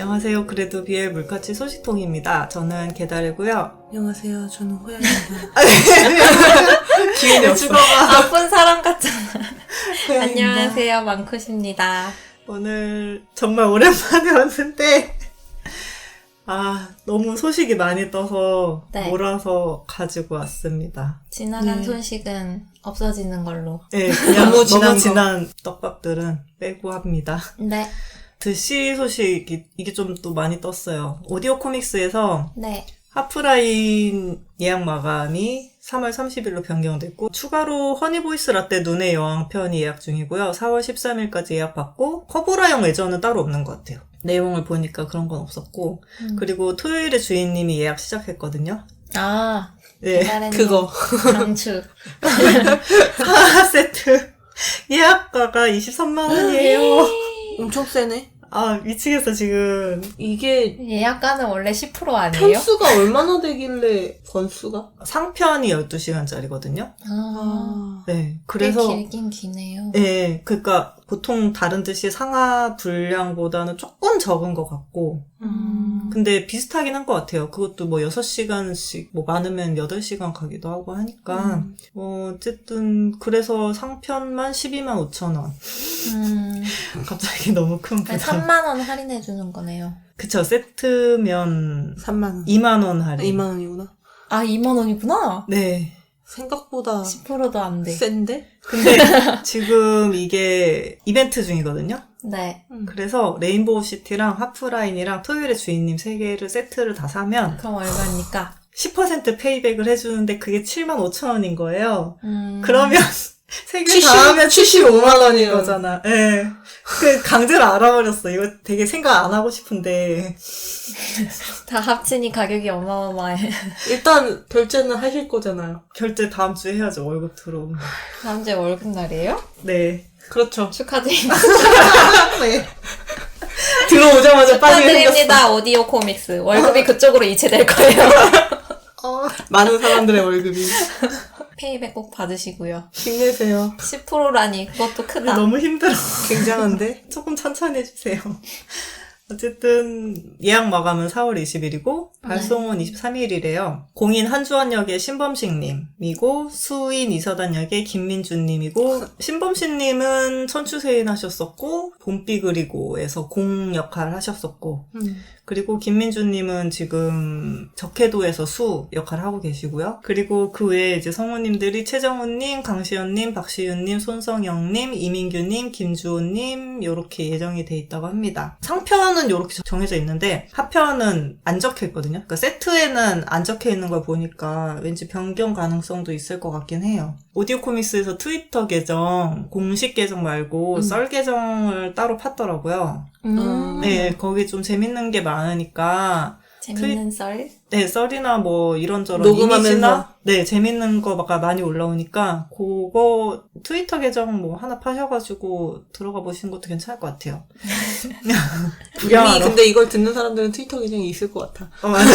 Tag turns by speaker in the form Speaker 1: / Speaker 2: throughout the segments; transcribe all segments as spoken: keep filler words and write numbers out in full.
Speaker 1: 안녕하세요. 그래도 비엘 물가치 소식통입니다. 저는 개다르고요.
Speaker 2: 안녕하세요. 저는 호야입니다.
Speaker 1: 기운이 없어.
Speaker 3: 아픈 사람 같잖아.
Speaker 1: 호야입니다.
Speaker 3: 안녕하세요. 망쿠십니다.
Speaker 1: 오늘 정말 오랜만에 왔는데 아 너무 소식이 많이 떠서
Speaker 3: 네.
Speaker 1: 몰아서 가지고 왔습니다.
Speaker 3: 지나간
Speaker 2: 네.
Speaker 3: 소식은 없어지는 걸로.
Speaker 1: 네, 그냥
Speaker 2: 너무
Speaker 1: 너무
Speaker 2: 지난
Speaker 1: 지난,
Speaker 2: 거.
Speaker 1: 떡밥들은 빼고 합니다.
Speaker 3: 네.
Speaker 1: 드시 소식이 이게 좀 또 많이 떴어요. 오디오 코믹스에서
Speaker 3: 네.
Speaker 1: 하프라인 예약 마감이 삼월 삼십일로 변경됐고 추가로 허니보이스 라떼 눈의 여왕 편이 예약 중이고요. 사월 십삼일까지 예약받고 커보라형 외전은 따로 없는 것 같아요. 내용을 보니까 그런 건 없었고
Speaker 3: 음.
Speaker 1: 그리고 토요일에 주인님이 예약 시작했거든요.
Speaker 3: 아.
Speaker 1: 네,
Speaker 3: 기다리는
Speaker 2: 그거.
Speaker 3: 강추.
Speaker 1: 사 세트 예약가가 이십삼만 원이에요.
Speaker 2: 엄청 세네.
Speaker 1: 아 미치겠어 지금.
Speaker 2: 이게
Speaker 3: 예약가는 원래 십 퍼센트 아니에요?
Speaker 2: 편수가 얼마나 되길래 건수가?
Speaker 1: 상편이 열두 시간짜리거든요.
Speaker 3: 아.
Speaker 1: 네,
Speaker 3: 그래서
Speaker 1: 그래서
Speaker 3: 꽤 길긴 기네요.
Speaker 1: 네, 그러니까 보통 다른 듯이 상하 분량보다는 조금 적은 것 같고
Speaker 3: 음.
Speaker 1: 근데 비슷하긴 한 것 같아요. 그것도 뭐 여섯 시간씩 뭐 많으면 여덟 시간 가기도 하고 하니까
Speaker 2: 음.
Speaker 1: 어, 어쨌든 그래서 상편만 십이만 오천 원.
Speaker 3: 음.
Speaker 1: 갑자기 너무 큰 부담.
Speaker 3: 삼만 원 할인해주는 거네요.
Speaker 1: 그쵸, 세트면
Speaker 2: 삼만 원.
Speaker 1: 이만 원 할인.
Speaker 2: 이만 원이구나.
Speaker 3: 아, 이만 원이구나?
Speaker 1: 네.
Speaker 2: 생각보다
Speaker 3: 십 퍼센트도 안 돼.
Speaker 2: 센데?
Speaker 1: 근데 지금 이게 이벤트 중이거든요.
Speaker 3: 네.
Speaker 2: 음.
Speaker 1: 그래서 레인보우 시티랑 하프라인이랑 토요일의 주인님 세 개를 세트를 다 사면
Speaker 3: 그럼 얼마입니까?
Speaker 1: 십 퍼센트 페이백을 해주는데 그게 칠만 오천 원인 거예요.
Speaker 3: 음.
Speaker 1: 그러면 세 개
Speaker 2: 칠십
Speaker 1: 다 하면 칠십오만 원인
Speaker 2: 원이에요.
Speaker 1: 거잖아. 예. 네. 그 강제로 알아버렸어. 이거 되게 생각 안 하고 싶은데.
Speaker 3: 다 합치니 가격이 어마어마해.
Speaker 2: 일단 결제는 하실 거잖아요.
Speaker 1: 결제 다음 주에 해야죠. 월급 들어오면.
Speaker 3: 다음 주에 월급날이에요?
Speaker 1: 네.
Speaker 2: 그렇죠.
Speaker 3: 축하드립니다.
Speaker 1: 네.
Speaker 2: 들어오자마자 빨리 생겼어.
Speaker 3: 축하드립니다. 오디오 코믹스. 월급이 그쪽으로 이체될 거예요.
Speaker 1: 어.
Speaker 2: 많은 사람들의 월급이.
Speaker 3: 페이백 꼭 받으시고요.
Speaker 2: 힘내세요.
Speaker 3: 십 퍼센트라니 그것도 크다.
Speaker 1: 너무 힘들어.
Speaker 2: 굉장한데?
Speaker 1: 조금 천천히 해주세요. 어쨌든 예약 마감은 사월 이십일이고 발송은 이십삼일이래요. 공인 한주원역의 신범식님이고 수인 이서단역의 김민주님이고 신범식님은 천추세인 하셨었고 봄비 그리고에서 공 역할 하셨었고
Speaker 2: 음.
Speaker 1: 그리고 김민주님은 지금 적해도에서 수 역할을 하고 계시고요. 그리고 그 외에 이제 성우님들이 최정훈님, 강시연님, 박시윤님, 손성영님, 이민규님, 김주호님 요렇게 예정이 돼 있다고 합니다. 상편은 요렇게 정해져 있는데 하편은 안 적혀 있거든요. 그러니까 세트에는 안 적혀 있는 걸 보니까 왠지 변경 가능성도 있을 것 같긴 해요. 오디오 코믹스에서 트위터 계정, 공식 계정 말고
Speaker 2: 음.
Speaker 1: 썰 계정을 따로 팠더라고요.
Speaker 3: 음.
Speaker 1: 네, 거기 좀 재밌는 게 많으니까
Speaker 3: 재밌는 썰?
Speaker 1: 네, 썰이나 뭐 이런저런
Speaker 2: 녹음하면서.
Speaker 1: 이미지나 네, 재밌는 거가 많이 올라오니까 그거 트위터 계정 뭐 하나 파셔가지고 들어가 보시는 것도 괜찮을 것 같아요.
Speaker 2: 이미 근데 이걸 듣는 사람들은 트위터 계정이 있을 것 같아.
Speaker 1: 어, 맞아.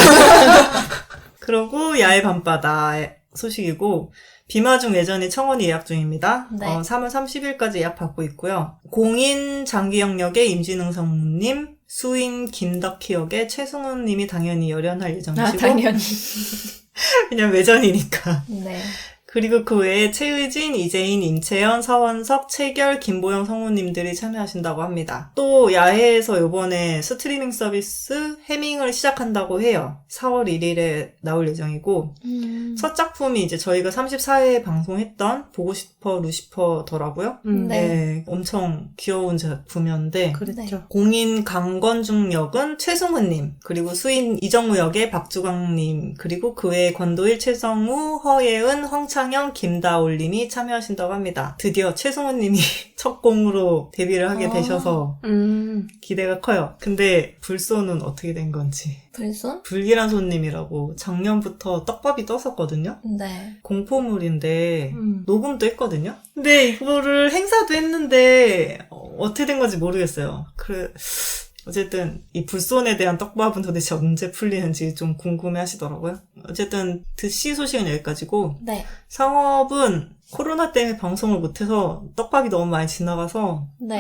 Speaker 1: 그러고 야외 밤바다의 소식이고 비마중 예전이 청원이 예약 중입니다.
Speaker 3: 네.
Speaker 1: 어, 삼월 삼십일까지 예약 받고 있고요. 공인 장기영역의 임진흥 성우님, 수인 김덕희 역의 최승훈 님이 당연히 열연할 예정이시고
Speaker 3: 아, 당연히.
Speaker 1: 그냥 외전이니까.
Speaker 3: 네.
Speaker 1: 그리고 그 외에 최의진, 이재인, 임채연, 서원석, 최결, 김보영 성우님들이 참여하신다고 합니다. 또 야해에서 이번에 스트리밍 서비스 해밍을 시작한다고 해요. 사월 일일에 나올 예정이고
Speaker 3: 음.
Speaker 1: 첫 작품이 이제 저희가 삼십사회에 방송했던 보고 싶어 루시퍼더라고요.
Speaker 2: 음.
Speaker 3: 네.
Speaker 1: 네, 엄청 귀여운 작품이었는데
Speaker 2: 그랬죠.
Speaker 1: 공인 강건중 역은 최승훈님, 그리고 수인 이정우 역의 박주광님, 그리고 그 외에 권도일, 최성우, 허예은, 황창영, 김다올님이 참여하신다고 합니다. 드디어 최승훈님이 첫 공으로 데뷔를 하게
Speaker 3: 아.
Speaker 1: 되셔서
Speaker 2: 음.
Speaker 1: 기대가 커요. 근데 불소는 어떻게 된 건지.
Speaker 3: 불순?
Speaker 1: 불길한 손님이라고 작년부터 떡밥이 떴었거든요.
Speaker 3: 네.
Speaker 1: 공포물인데
Speaker 2: 음.
Speaker 1: 녹음도 했거든요. 근데 이거를 행사도 했는데 어, 어떻게 된 건지 모르겠어요. 그 어쨌든 이 불손에 대한 떡밥은 도대체 언제 풀리는지 좀 궁금해 하시더라고요. 어쨌든 드시 소식은 여기까지고
Speaker 3: 네.
Speaker 1: 상업은 코로나 때문에 방송을 못해서 떡밥이 너무 많이 지나가서
Speaker 3: 네.
Speaker 2: 음.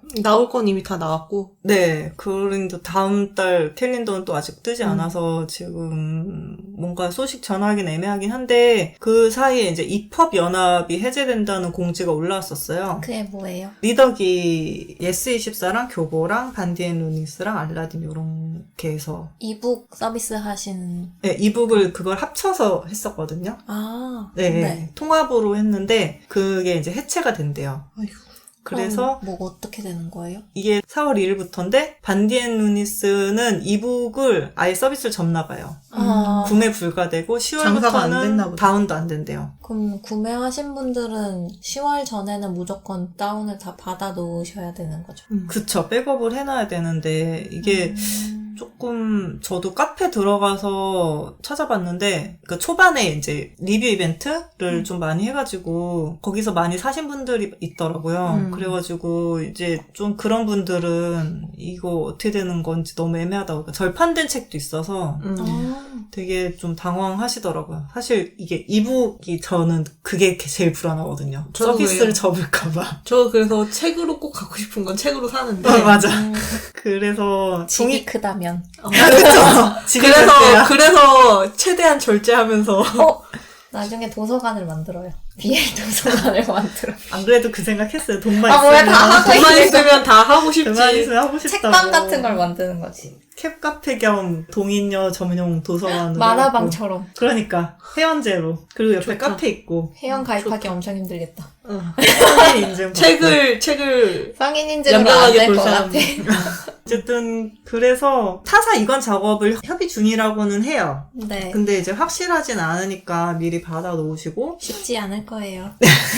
Speaker 2: 나올 건 이미 다 나왔고.
Speaker 1: 네, 그런데 다음 달 캘린더는 또 아직 뜨지
Speaker 2: 음.
Speaker 1: 않아서 지금 뭔가 소식 전하긴 애매하긴 한데 그 사이에 이제 입법 연합이 해제된다는 공지가 올라왔었어요.
Speaker 3: 그게 뭐예요?
Speaker 1: 리더기 예스이십사랑 교보랑 반디앤루니스랑 알라딘 요렇게 해서
Speaker 3: 이북 서비스 하신
Speaker 1: 네, 이북을 그걸 합쳐서 했었거든요.
Speaker 3: 아
Speaker 1: 네, 통합으로 했는데 그게 이제 해체가 된대요.
Speaker 2: 아휴.
Speaker 1: 그래서
Speaker 3: 그럼 뭐 어떻게 되는 거예요?
Speaker 1: 이게 사월 일일부터인데 반디앤루니스는 이북을 아예 서비스를 접나 봐요.
Speaker 3: 아,
Speaker 1: 구매 불가되고
Speaker 2: 장사가 안 됐나
Speaker 1: 시월부터는
Speaker 2: 보다.
Speaker 1: 다운도 안 된대요.
Speaker 3: 그럼 구매하신 분들은 시월 전에는 무조건 다운을 다 받아 놓으셔야 되는 거죠.
Speaker 2: 음.
Speaker 1: 그쵸. 백업을 해놔야 되는데 이게
Speaker 3: 음.
Speaker 1: 조금 저도 카페 들어가서 찾아봤는데 그 초반에 이제 리뷰 이벤트를
Speaker 2: 음.
Speaker 1: 좀 많이 해가지고 거기서 많이 사신 분들이 있더라고요.
Speaker 2: 음.
Speaker 1: 그래가지고 이제 좀 그런 분들은 이거 어떻게 되는 건지 너무 애매하다고 그러니까 절판된 책도 있어서
Speaker 2: 음.
Speaker 3: 아,
Speaker 1: 되게 좀 당황하시더라고요. 사실 이게 이북이 저는 그게 제일 불안하거든요.
Speaker 2: 저도
Speaker 1: 서비스를
Speaker 2: 그래요.
Speaker 1: 접을까봐.
Speaker 2: 저 그래서 책으로 꼭 갖고 싶은 건 책으로 사는데.
Speaker 1: 어, 맞아.
Speaker 3: 음,
Speaker 1: 그래서
Speaker 3: 집이
Speaker 1: 종이
Speaker 3: 크다면.
Speaker 2: 어.
Speaker 1: 그렇죠. 집이
Speaker 2: 그래서
Speaker 1: 그래서
Speaker 2: 그래서 최대한 절제하면서
Speaker 3: 어? 나중에 도서관을 만들어요. 비엘 도서관을 만들어.
Speaker 1: 안 그래도 그 생각했어요. 돈만
Speaker 3: 아, 뭐야,
Speaker 1: 있으면
Speaker 3: 다 하고
Speaker 2: 돈만 있으면 다 하고 싶지.
Speaker 1: 돈만 있으면 하고 싶다고.
Speaker 3: 책방 같은 걸 만드는 거지.
Speaker 1: 캡카페 겸 동인녀 전용 도서관으로
Speaker 3: 만화방처럼.
Speaker 1: 해갖고. 그러니까 회원제로 그리고 옆에
Speaker 2: 좋다.
Speaker 1: 카페 있고
Speaker 3: 회원 가입하기 엄청 힘들겠다.
Speaker 2: 어.
Speaker 1: 성인 인증 받고.
Speaker 2: 책을 책을
Speaker 3: 성인 인증은 안
Speaker 2: 연명하게
Speaker 3: 될
Speaker 2: 볼
Speaker 3: 것
Speaker 2: 사람.
Speaker 3: 같아.
Speaker 1: 어쨌든 그래서 타사 이관 작업을 협의 중이라고는 해요.
Speaker 3: 네.
Speaker 1: 근데 이제 확실하진 않으니까 미리 받아 놓으시고
Speaker 3: 쉽지 않을 거예요.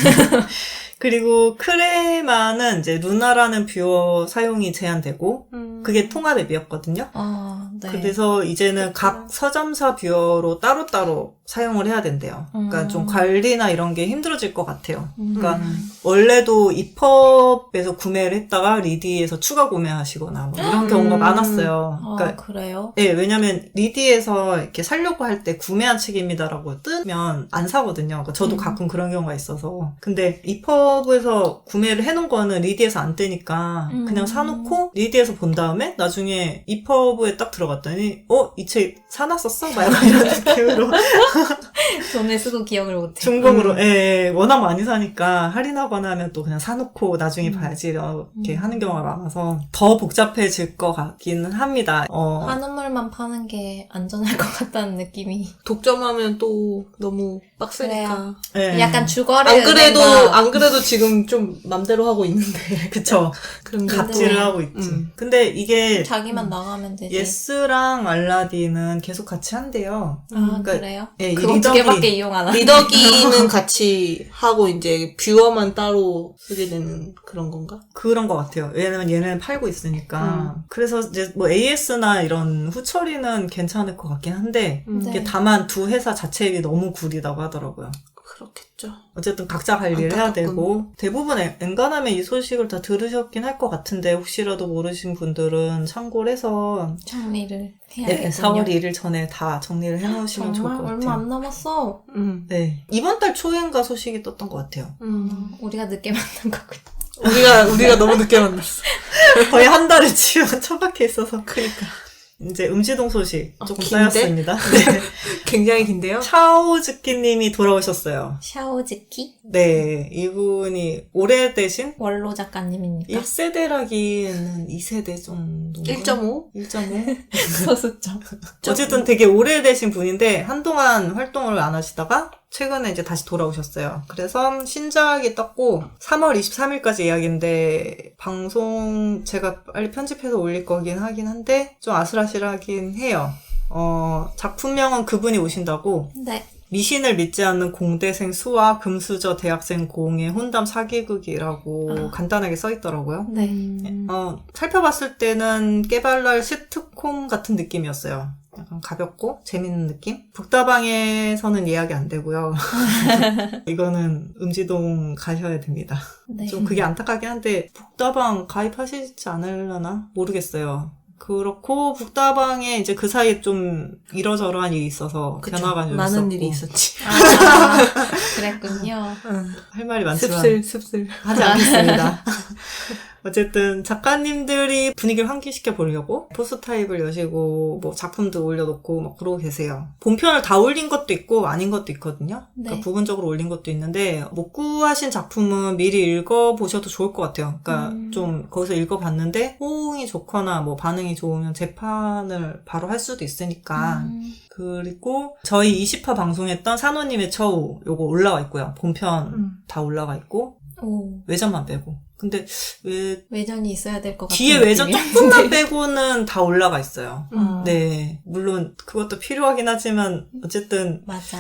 Speaker 1: 그리고 크레마는 이제 루나라는 뷰어 사용이 제한되고
Speaker 2: 음.
Speaker 1: 그게 통합 앱이었거든요.
Speaker 3: 아, 네.
Speaker 1: 그래서 이제는 각 서점사 뷰어로 따로따로 사용을 해야 된대요. 그러니까
Speaker 3: 음.
Speaker 1: 좀 관리나 이런 게 힘들어질 것 같아요.
Speaker 3: 음.
Speaker 1: 그러니까 원래도 이펍에서 구매를 했다가 리디에서 추가 구매하시거나 뭐 이런 경우가
Speaker 2: 음.
Speaker 1: 많았어요.
Speaker 3: 아,
Speaker 1: 그러니까
Speaker 3: 그래요?
Speaker 1: 예, 왜냐면 리디에서 이렇게 살려고 할 때 구매한 책입니다라고 뜨면 안 사거든요. 그러니까 저도
Speaker 3: 음.
Speaker 1: 가끔 그런 경우가 있어서. 근데 이펍에서 구매를 해놓은 거는 리디에서 안 뜨니까
Speaker 3: 음.
Speaker 1: 그냥 사놓고 리디에서 본 다음에 나중에 이펍에 딱 들어갔더니 어? 이 책 사놨었어? 막 약간 이런 느낌으로
Speaker 3: 돈을 쓰고 기억을 못해.
Speaker 1: 중복으로
Speaker 2: 음.
Speaker 1: 예, 예, 워낙 많이 사니까 할인하거나 하면 또 그냥 사놓고 나중에
Speaker 3: 음.
Speaker 1: 봐야지 이렇게
Speaker 3: 음.
Speaker 1: 하는 경우가 많아서 더 복잡해질 것 같기는 합니다. 어,
Speaker 3: 한우물만 파는 게 안전할 것 같다는 느낌이.
Speaker 2: 독점하면 또 너무 빡세니까.
Speaker 1: 예.
Speaker 3: 약간 주거래
Speaker 2: 안 그래도
Speaker 3: 은행과-
Speaker 2: 안 그래도 지금 좀 맘대로 하고 있는데.
Speaker 1: 그쵸.
Speaker 2: 그런데
Speaker 1: 갑질을
Speaker 3: 또-
Speaker 1: 하고 있지.
Speaker 2: 음.
Speaker 1: 근데 이게
Speaker 3: 자기만 나가면 되지.
Speaker 1: 예스랑 알라딘은 계속 같이 한대요.
Speaker 3: 아,
Speaker 1: 그러니까
Speaker 3: 그래요?
Speaker 1: 예, 이
Speaker 3: 그거 두
Speaker 1: 리더기-
Speaker 3: 개밖에 이용 안 하네.
Speaker 2: 리더기는 같이 하고 이제 뷰어만 따로 쓰게 되는 그런 건가?
Speaker 1: 그런 것 같아요. 왜냐면 얘는 팔고 있으니까.
Speaker 2: 음.
Speaker 1: 그래서 이제 뭐 에이에스나 이런 후처리는 괜찮을 것 같긴 한데
Speaker 2: 음.
Speaker 3: 네.
Speaker 1: 이게 다만 두 회사 자체가 너무 구리다고 하더라고요.
Speaker 2: 그렇겠죠.
Speaker 1: 어쨌든 각자 관리를 해야
Speaker 2: 안타깝군.
Speaker 1: 되고 대부분 엔- 엔간하면 이 소식을 다 들으셨긴 할 것 같은데 혹시라도 모르신 분들은 참고를 해서
Speaker 3: 정리를 해야겠군요.
Speaker 1: 네, 사월 일일 전에 다 정리를 해놓으시면 좋을
Speaker 3: 정말
Speaker 1: 것
Speaker 3: 얼마
Speaker 1: 같아요.
Speaker 3: 안 남았어.
Speaker 2: 음.
Speaker 1: 네. 이번 달 초인가 소식이 떴던 것 같아요.
Speaker 2: 음.
Speaker 3: 우리가 늦게 만난 거군요.
Speaker 2: 우리가 우리가 너무 늦게 만났어.
Speaker 1: 거의 한 달을 지금 처박혀 있어서.
Speaker 2: 그러니까
Speaker 1: 이제 음지동 소식
Speaker 2: 아,
Speaker 1: 조금
Speaker 2: 긴데?
Speaker 1: 쌓였습니다. 네.
Speaker 2: 굉장히 긴데요.
Speaker 1: 차오즈키님이 돌아오셨어요.
Speaker 3: 샤오즈키?
Speaker 1: 네. 이분이 오래되신
Speaker 3: 원로 작가님입니까?
Speaker 1: 일 세대라기에는 이 세대 정도인가?
Speaker 2: 일 점 오?
Speaker 1: 일 점 오?
Speaker 3: 소수점.
Speaker 1: 어쨌든 되게 오래되신 분인데 한동안 활동을 안 하시다가 최근에 이제 다시 돌아오셨어요. 그래서 신작이 떴고 삼월 이십삼일까지 예약인데 방송 제가 빨리 편집해서 올릴 거긴 하긴 한데 좀 아슬아슬하긴 해요. 어, 작품명은 그분이 오신다고
Speaker 3: 네.
Speaker 1: 미신을 믿지 않는 공대생 수와 금수저 대학생 공의 혼담 사기극이라고
Speaker 3: 아.
Speaker 1: 간단하게 써있더라고요.
Speaker 3: 네.
Speaker 1: 어, 살펴봤을 때는 깨발랄 시트콤 같은 느낌이었어요. 약간 가볍고 재밌는 느낌? 북다방에서는 예약이 안 되고요. 이거는 음지동 가셔야 됩니다.
Speaker 3: 네.
Speaker 1: 좀 그게 안타깝긴 한데 북다방 가입하시지 않으려나? 모르겠어요. 그렇고 북다방에 이제 그 사이에 좀 이러저러한 일이 있어서
Speaker 2: 그쵸.
Speaker 1: 변화가 좀
Speaker 2: 많은
Speaker 1: 있었고
Speaker 2: 일이 있었지.
Speaker 3: 아, 그랬군요.
Speaker 1: 할 말이 많지만
Speaker 2: 습슬 습슬.
Speaker 1: 하지 않겠습니다. 어쨌든 작가님들이 분위기를 환기시켜 보려고 포스 타입을 여시고 뭐 작품도 올려놓고 막 그러고 계세요. 본편을 다 올린 것도 있고 아닌 것도 있거든요.
Speaker 3: 네.
Speaker 1: 그러니까 부분적으로 올린 것도 있는데 못 구하신 작품은 미리 읽어보셔도 좋을 것 같아요. 그러니까
Speaker 3: 음.
Speaker 1: 좀 거기서 읽어봤는데 호응이 좋거나 뭐 반응이 좋으면 재판을 바로 할 수도 있으니까
Speaker 3: 음.
Speaker 1: 그리고 저희 이십 화 방송했던 산호님의 처우 요거 올라와 있고요. 본편
Speaker 2: 음.
Speaker 1: 다 올라가 있고
Speaker 3: 오,
Speaker 1: 외전만 빼고. 근데 왜
Speaker 3: 외전이 있어야 될 것 같은
Speaker 1: 뒤에 외전
Speaker 3: 느낌이야.
Speaker 1: 조금만 빼고는 다 올라가 있어요.
Speaker 3: 어,
Speaker 1: 네, 물론 그것도 필요하긴 하지만 어쨌든
Speaker 3: 맞아.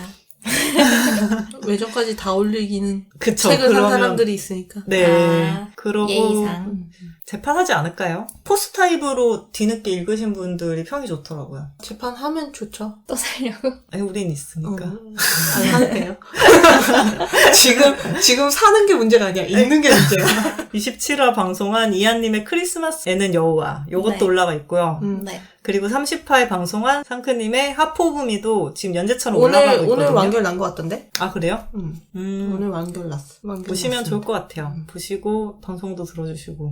Speaker 2: 외전까지 다 올리기는
Speaker 1: 그쵸.
Speaker 2: 책을 산
Speaker 1: 그러면
Speaker 2: 사람들이 있으니까.
Speaker 1: 네,
Speaker 3: 아,
Speaker 1: 그러고
Speaker 3: 예의상.
Speaker 2: 음.
Speaker 1: 재판하지 않을까요? 포스 타입으로 뒤늦게 읽으신 분들이 평이 좋더라고요.
Speaker 2: 재판하면 좋죠.
Speaker 3: 또 살려고?
Speaker 1: 아니, 우린 있으니까.
Speaker 2: 음. 안 사도 돼요. 지금, 지금 사는 게 문제가 아니야. 읽는 게 문제야.
Speaker 1: 이십칠 화 방송한 이한님의 크리스마스에는 여우와 요것도
Speaker 3: 네.
Speaker 1: 올라가 있고요.
Speaker 2: 음.
Speaker 3: 네.
Speaker 1: 그리고 삼십 화에 방송한 상크님의 하포부미도 지금 연재처럼 올라가고
Speaker 2: 오늘,
Speaker 1: 있거든요.
Speaker 2: 오늘 완결 난 것 같던데?
Speaker 1: 아, 그래요?
Speaker 2: 음.
Speaker 1: 음,
Speaker 2: 오늘 완결 났어. 완결
Speaker 1: 보시면
Speaker 2: 났습니다.
Speaker 1: 좋을 것 같아요.
Speaker 2: 음.
Speaker 1: 보시고 방송도 들어주시고.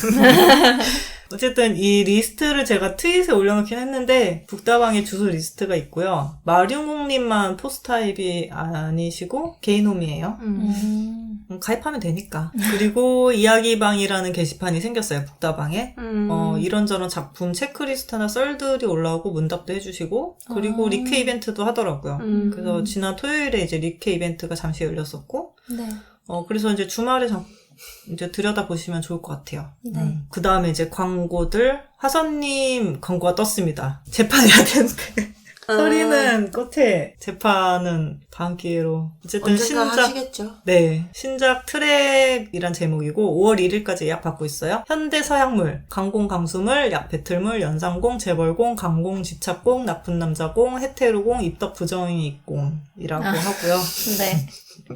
Speaker 1: 어쨌든 이 리스트를 제가 트윗에 올려놓긴 했는데 북다방에 주소 리스트가 있고요. 마룡공님만 포스타입이 아니시고 개인홈이에요.
Speaker 2: 음.
Speaker 3: 음.
Speaker 1: 음, 가입하면 되니까. 그리고 이야기방이라는 게시판이 생겼어요. 북다방에.
Speaker 2: 음.
Speaker 1: 어, 이런저런 작품 체크리스트나 썰들이 올라오고 문답도 해주시고 그리고
Speaker 3: 아.
Speaker 1: 리크 이벤트도 하더라고요.
Speaker 2: 음.
Speaker 1: 그래서 지난 토요일에 이제 리크 이벤트가 잠시 열렸었고
Speaker 3: 네.
Speaker 1: 어, 그래서 이제 주말에 잠, 이제 들여다보시면 좋을 것 같아요.
Speaker 3: 네.
Speaker 1: 그 다음에 이제 광고들, 화선님 광고가 떴습니다. 재판해야 되는데.
Speaker 2: 아.
Speaker 1: 서리는 끝에 재판은 다음 기회로. 어쨌든
Speaker 2: 언젠가
Speaker 1: 신작,
Speaker 2: 하시겠죠.
Speaker 1: 네. 신작 트랩이란 제목이고 오월 일일까지 예약 받고 있어요. 현대 서약물, 강공 강수물, 약 배틀물, 연상공, 재벌공, 강공, 집착공, 나쁜 남자공, 헤테로공, 입덕 부정이공이라고
Speaker 3: 아.
Speaker 1: 하고요.
Speaker 3: 네.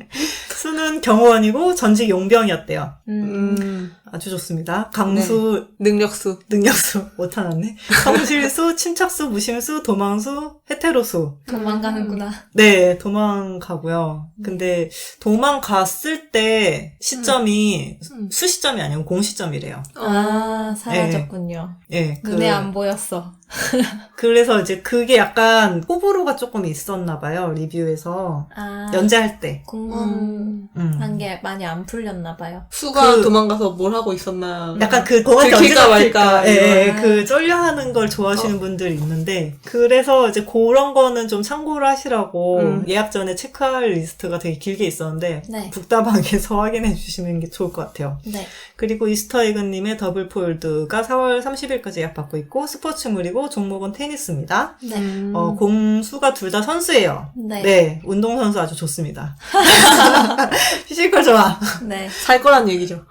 Speaker 1: 수는 경호원이고 전직 용병이었대요.
Speaker 3: 음.
Speaker 2: 음.
Speaker 1: 아주 좋습니다. 강수,
Speaker 2: 능력수.
Speaker 1: 능력수 못하났네. 성실수, 침착수, 무심수, 도망수, 헤테로수.
Speaker 3: 도망가는구나.
Speaker 1: 네, 도망가고요. 근데 도망갔을 때 시점이
Speaker 2: 음.
Speaker 1: 수시점이 아니고 공시점이래요.
Speaker 3: 아, 사라졌군요.
Speaker 1: 예, 그,
Speaker 3: 눈에 안 보였어.
Speaker 1: 그래서 이제 그게 약간 호불호가 조금 있었나 봐요. 리뷰에서.
Speaker 3: 아,
Speaker 1: 연재할 때.
Speaker 3: 궁금한
Speaker 1: 음.
Speaker 3: 게 많이 안 풀렸나 봐요.
Speaker 2: 수가
Speaker 1: 그-
Speaker 2: 도망가서 뭘 하고 있었나.
Speaker 1: 약간 그 거한테 언제
Speaker 2: 들킬까
Speaker 1: 잡힐까
Speaker 2: 말까,
Speaker 1: 예, 예,
Speaker 3: 이런.
Speaker 1: 그 쫄려하는 걸 좋아하시는 분들이 있는데 그래서 이제 그런 거는 좀 참고를 하시라고
Speaker 2: 음.
Speaker 1: 예약 전에 체크할 리스트가 되게 길게 있었는데
Speaker 3: 네.
Speaker 1: 북다방에서 확인해 주시는 게 좋을 것 같아요.
Speaker 3: 네.
Speaker 1: 그리고 이스터에그님의 더블 폴드가 사월 삼십일까지 예약 받고 있고 스포츠물이고 종목은 테니스입니다.
Speaker 3: 네.
Speaker 2: 음.
Speaker 1: 어, 공수가 둘 다 선수예요.
Speaker 3: 네.
Speaker 1: 네, 운동선수 아주 좋습니다. 피지컬 좋아.
Speaker 3: 네.
Speaker 2: 살 거란 얘기죠.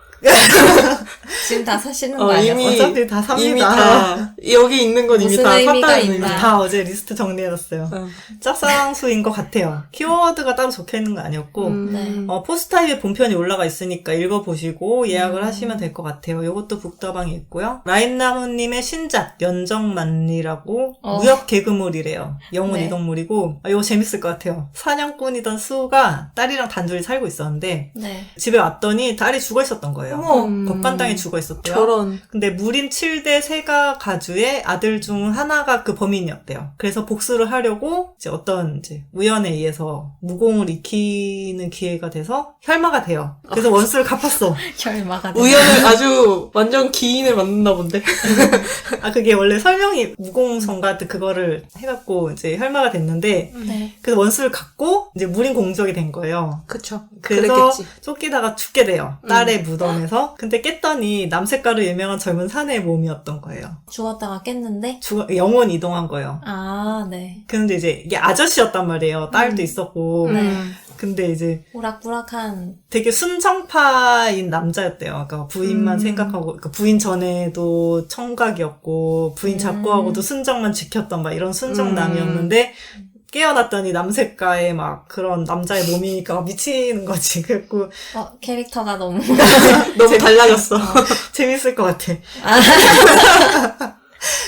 Speaker 3: 지금 다 사시는 거
Speaker 2: 어,
Speaker 3: 아니에요?
Speaker 2: 이미-
Speaker 1: 어차피 다 삽니다.
Speaker 2: 이미 다, 여기 있는 건 이미
Speaker 3: 무슨
Speaker 2: 다
Speaker 3: 의미가
Speaker 2: 샀다는
Speaker 3: 있나.
Speaker 2: 의미.
Speaker 1: 다 어제 리스트 정리해놨어요.
Speaker 2: 어.
Speaker 1: 짝사랑수인 것 같아요. 키워드가 따로 적혀있는 거 아니었고
Speaker 2: 음.
Speaker 3: 네.
Speaker 1: 어, 포스타입에 본편이 올라가 있으니까 읽어보시고 예약을
Speaker 3: 음.
Speaker 1: 하시면 될 것 같아요. 이것도 북다방에 있고요. 라임나무님의 신작 연정만리라고
Speaker 3: 어.
Speaker 1: 무협 개그물이래요. 영혼
Speaker 3: 네.
Speaker 1: 이동물이고 아, 이거 재밌을 것 같아요. 사냥꾼이던 수가 딸이랑 단둘이 살고 있었는데
Speaker 3: 네.
Speaker 1: 집에 왔더니 딸이 죽어 있었던 거예요.
Speaker 3: 어머.
Speaker 2: 음.
Speaker 1: 법관당에 죽어 있었대요.
Speaker 2: 저런.
Speaker 1: 근데 무림 칠 대 세가 가주의 아들 중 하나가 그 범인이었대요. 그래서 복수를 하려고 이제 어떤 이제 우연에 의해서 무공을 익히는 기회가 돼서 혈마가 돼요. 그래서 원수를 갚았어.
Speaker 3: 결마가 돼.
Speaker 2: 우연을 아주 완전 기인을 만났나 본데.
Speaker 1: 아 그게 원래 설명이 무공성가 그거를 해갖고 이제 혈마가 됐는데
Speaker 3: 네.
Speaker 1: 그래서 원수를 갚고 이제 무림 공적이 된 거예요.
Speaker 2: 그쵸.
Speaker 1: 그래서
Speaker 2: 그랬겠지.
Speaker 1: 쫓기다가 죽게 돼요. 딸의 무덤에서. 근데 깼더니 남색가로 유명한 젊은 사내의 몸이었던 거예요.
Speaker 3: 죽었다가 깼는데?
Speaker 1: 죽어, 영혼 이동한 거예요.
Speaker 3: 아, 네.
Speaker 1: 근데 이제 이게 아저씨였단 말이에요. 딸도
Speaker 3: 음.
Speaker 1: 있었고.
Speaker 3: 네.
Speaker 2: 음.
Speaker 1: 근데 이제
Speaker 3: 오락부락한.
Speaker 1: 되게 순정파인 남자였대요. 그러니까 부인만
Speaker 3: 음.
Speaker 1: 생각하고, 그러니까 부인 전에도 청각이었고, 부인
Speaker 3: 음.
Speaker 1: 잡고하고도 순정만 지켰던 막 이런 순정남이었는데, 깨어났더니 남색가의 막 그런 남자의 몸이니까 미치는 거지. 그래갖고
Speaker 3: 어, 캐릭터가 너무.
Speaker 2: 너무 달라졌어.
Speaker 1: 재밌을 것 같아.
Speaker 3: 아,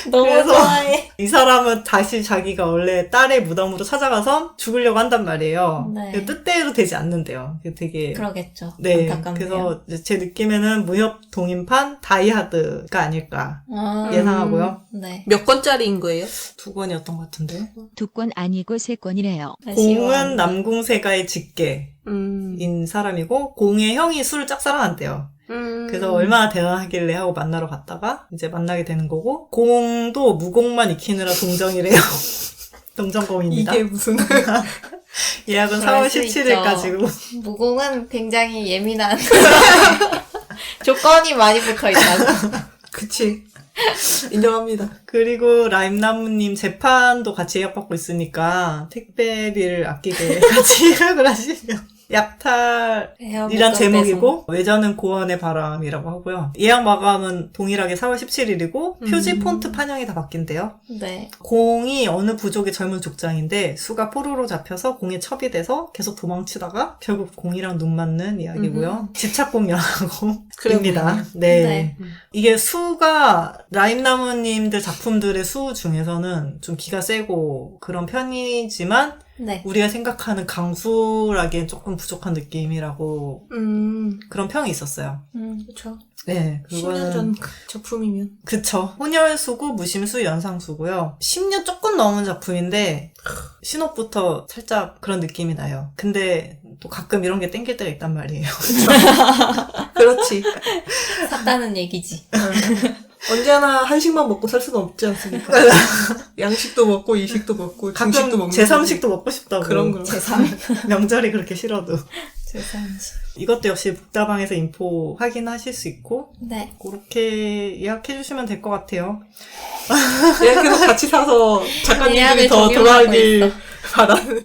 Speaker 3: 너무
Speaker 1: 그래서-
Speaker 3: 좋아해.
Speaker 1: 이 사람은 다시 자기가 원래 딸의 무덤으로 찾아가서 죽으려고 한단 말이에요.
Speaker 3: 네.
Speaker 1: 근데 뜻대로 되지 않는데요. 되게
Speaker 3: 그러겠죠.
Speaker 1: 네,
Speaker 3: 안타깝네요.
Speaker 1: 그래서 이제 제 느낌에는 무협 동인판 다이하드가 아닐까
Speaker 3: 아,
Speaker 1: 예상하고요.
Speaker 3: 네.
Speaker 2: 몇 권짜리인 거예요?
Speaker 1: 두 권이었던 것 같은데.
Speaker 4: 두 권 아니고 세 권이래요.
Speaker 1: 공은 남궁세가의 직계인
Speaker 2: 음.
Speaker 1: 사람이고 공의 형이 술을 짝사랑한대요.
Speaker 2: 음.
Speaker 1: 그래서 얼마나 대단하길래 하고 만나러 갔다가 이제 만나게 되는 거고 공도 무공만 익히느라 동정이래요. 동정공입니다.
Speaker 2: 이게 무슨
Speaker 1: 예약은
Speaker 3: 그럴
Speaker 1: 사월
Speaker 3: 수
Speaker 1: 십칠일까지고.
Speaker 3: 무공은 굉장히 예민한 조건이 많이 붙어 있다고.
Speaker 2: 그치 인정합니다.
Speaker 1: 그리고 라임나무님 재판도 같이 예약받고 있으니까 택배비를 아끼게 같이 예약을 하시면 약탈이란 제목이고 외전은 고원의 바람이라고 하고요. 예약 마감은 동일하게 사월 십칠일이고 표지
Speaker 2: 음.
Speaker 1: 폰트 판형이 다 바뀐대요.
Speaker 3: 네.
Speaker 1: 공이 어느 부족의 젊은 족장인데 수가 포로로 잡혀서 공에 첩이 돼서 계속 도망치다가 결국 공이랑 눈 맞는 이야기고요. 집착공 영화고입니다. 네.
Speaker 3: 네.
Speaker 1: 이게 수가 라임나무님들 작품들의 수 중에서는 좀 기가 세고 그런 편이지만
Speaker 3: 네.
Speaker 1: 우리가 생각하는 강수라기엔 조금 부족한 느낌이라고
Speaker 2: 음.
Speaker 1: 그런 평이 있었어요.
Speaker 3: 음.
Speaker 2: 그쵸.
Speaker 1: 네,
Speaker 2: 십 년
Speaker 1: 그거는
Speaker 2: 전 작품이면.
Speaker 1: 그쵸. 혼혈수고 무심수 연상수고요. 십 년 조금 넘은 작품인데 신옥부터 살짝 그런 느낌이 나요. 근데 또 가끔 이런 게 땡길 때가 있단 말이에요.
Speaker 2: 그렇지.
Speaker 3: 샀다는 얘기지.
Speaker 2: 언제나 한식만 먹고 살 수는 없지 않습니까? 양식도 먹고 이식도 먹고 중식도
Speaker 1: 가끔
Speaker 2: 먹는
Speaker 1: 제삼식도 먹고 싶다고.
Speaker 2: 그런 거.
Speaker 3: 제삼.
Speaker 1: 명절이 그렇게 싫어도.
Speaker 3: 제삼식.
Speaker 1: 이것도 역시 북다방에서 인포 확인하실 수 있고
Speaker 3: 네.
Speaker 1: 그렇게 예약해주시면 될 것 같아요.
Speaker 2: 예약해서 같이 사서 작가님들이
Speaker 3: 예약을
Speaker 2: 더
Speaker 3: 적용하고
Speaker 2: 돌아가길
Speaker 3: 있어.
Speaker 2: 바라는.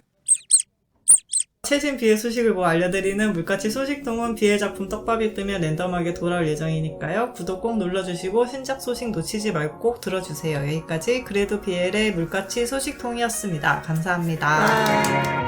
Speaker 1: 최신 비엘 소식을 뭐 알려드리는 물가치 소식통은 비엘 작품 떡밥이 뜨면 랜덤하게 돌아올 예정이니까요. 구독 꼭 눌러주시고 신작 소식 놓치지 말고 꼭 들어주세요. 여기까지 그래도 비엘의 물가치 소식통이었습니다. 감사합니다.
Speaker 2: 아.